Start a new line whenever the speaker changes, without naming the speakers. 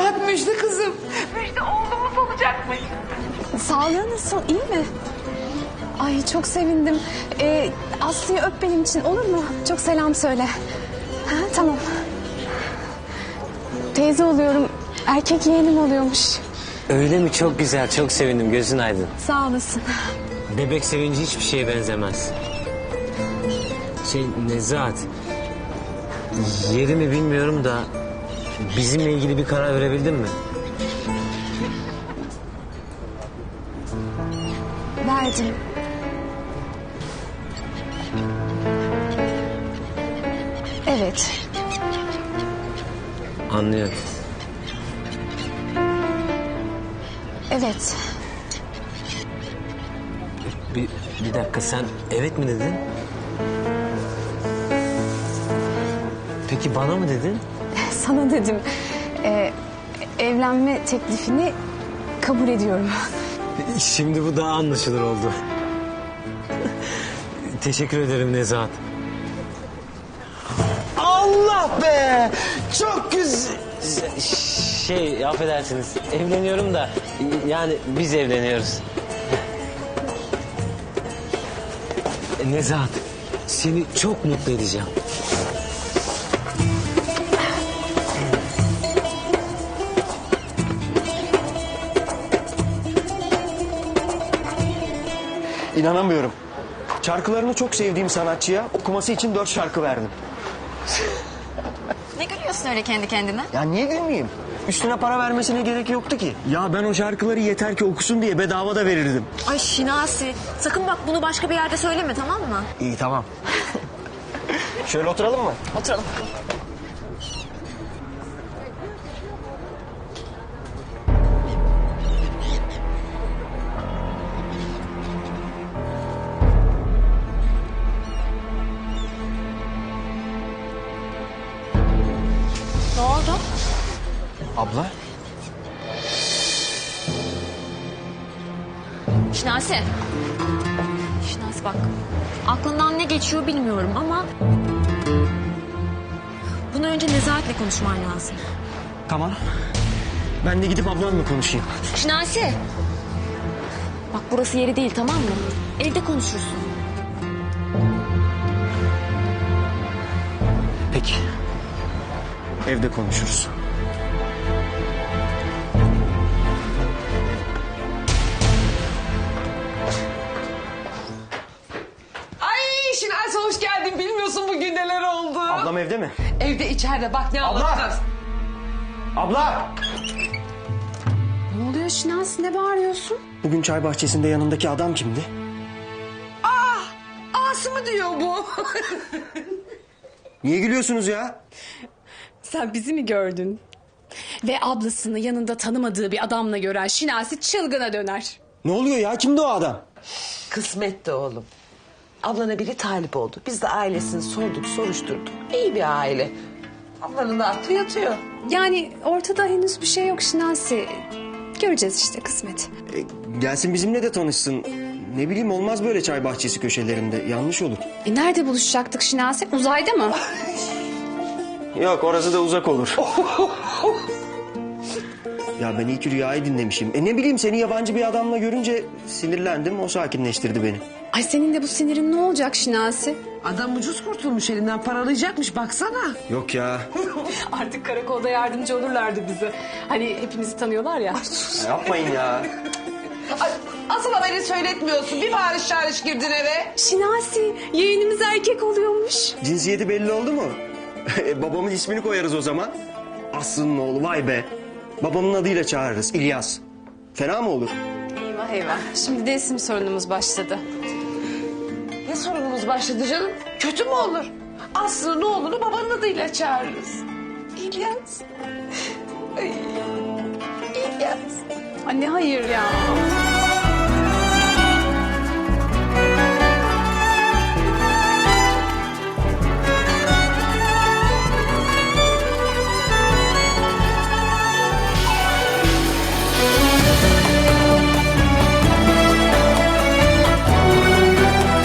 Nezahat müjde kızım. Müjde oğlumuz olacakmış.
Sağlığı nasıl? İyi mi? Ay çok sevindim. Aslı'yı öp benim için olur mu? Çok selam söyle. Ha, tamam. Teyze oluyorum. Erkek yeğenim oluyormuş.
Öyle mi? Çok güzel, çok sevindim. Gözün aydın.
Sağ olasın.
Bebek sevinci hiçbir şeye benzemez. Nezahat, yerimi bilmiyorum da bizimle ilgili bir karar verebildin mi?
Verdim. Evet.
Anlıyorum.
Evet.
Bir dakika, sen evet mi dedin? Peki bana mı dedin?
Sana dedim. Evlenme teklifini kabul ediyorum.
Şimdi bu daha anlaşılır oldu. Teşekkür ederim Nezahat.
Allah be! Çok güzel.
Affedersiniz, evleniyorum da yani biz evleniyoruz. Nezahat, seni çok mutlu edeceğim.
İnanamıyorum. Şarkılarını çok sevdiğim sanatçıya okuması için 4 şarkı verdim.
Ne gülüyorsun öyle kendi kendine?
Ya niye gülmeyeyim? Üstüne para vermesine gerek yoktu ki. Ya ben o şarkıları yeter ki okusun diye bedava da verirdim.
Ay Şinasi, sakın bak bunu başka bir yerde söyleme, tamam mı?
İyi tamam. Şöyle oturalım mı?
Oturalım. Ne oldu?
Abla.
Şinasi. Şinasi bak. Aklından ne geçiyor bilmiyorum ama... bunu önce Nezahat'le konuşman lazım.
Tamam. Ben de gidip ablamla konuşayım.
Şinasi. Bak burası yeri değil, tamam mı? Evde konuşursun.
Peki. Evde konuşuruz.
Ay Şinasi hoş geldin. Bilmiyorsun bugün neler oldu.
Ablam evde mi?
Evde içeride bak ne
Abla!
anlatacağız.
Abla!
Ne oluyor Şinasi? Ne bağırıyorsun?
Bugün çay bahçesinde yanındaki adam kimdi?
Ası mı diyor bu?
Niye gülüyorsunuz ya?
Sen bizi mi gördün? Ve ablasını yanında tanımadığı bir adamla gören Şinasi çılgına döner.
Ne oluyor ya? Kimdi o adam?
Kısmet de oğlum. Ablana biri talip oldu. Biz de ailesini sorduk, soruşturduk. İyi bir aile. Ablanın da aklı yatıyor.
Yani ortada henüz bir şey yok Şinasi. Göreceğiz işte kısmet.
Gelsin bizimle de tanışsın. Ne bileyim olmaz böyle çay bahçesi köşelerinde. Yanlış olur.
Nerede buluşacaktık Şinasi? Uzayda mı?
Yok orası da uzak olur. Ya ben ilk rüyayı dinlemişim. Ne bileyim seni yabancı bir adamla görünce sinirlendim. O sakinleştirdi beni.
Ay senin de bu sinirin ne olacak Şinasi?
Adam ucuz kurtulmuş, elinden paralayacakmış baksana.
Yok ya.
Artık karakolda yardımcı olurlardı bize. Hani hepimizi tanıyorlar ya.
Yapmayın ya.
Ay, asıl haberi söyletmiyorsun. Bir bağırış çağırış girdin eve.
Şinasi yeğenimiz erkek oluyormuş.
Cinsiyeti belli oldu mu? Babamın ismini koyarız o zaman. Aslı'nın oğlu vay be. Babamın adıyla çağırırız İlyas. Fena mı olur?
Eyvah eyvah. Şimdi de isim sorunumuz başladı.
Ne sorunumuz başladı canım? Kötü mü olur? Aslı'nın oğlunu babanın adıyla çağırırız. İlyas. Ay, İlyas.
Anne hayır ya.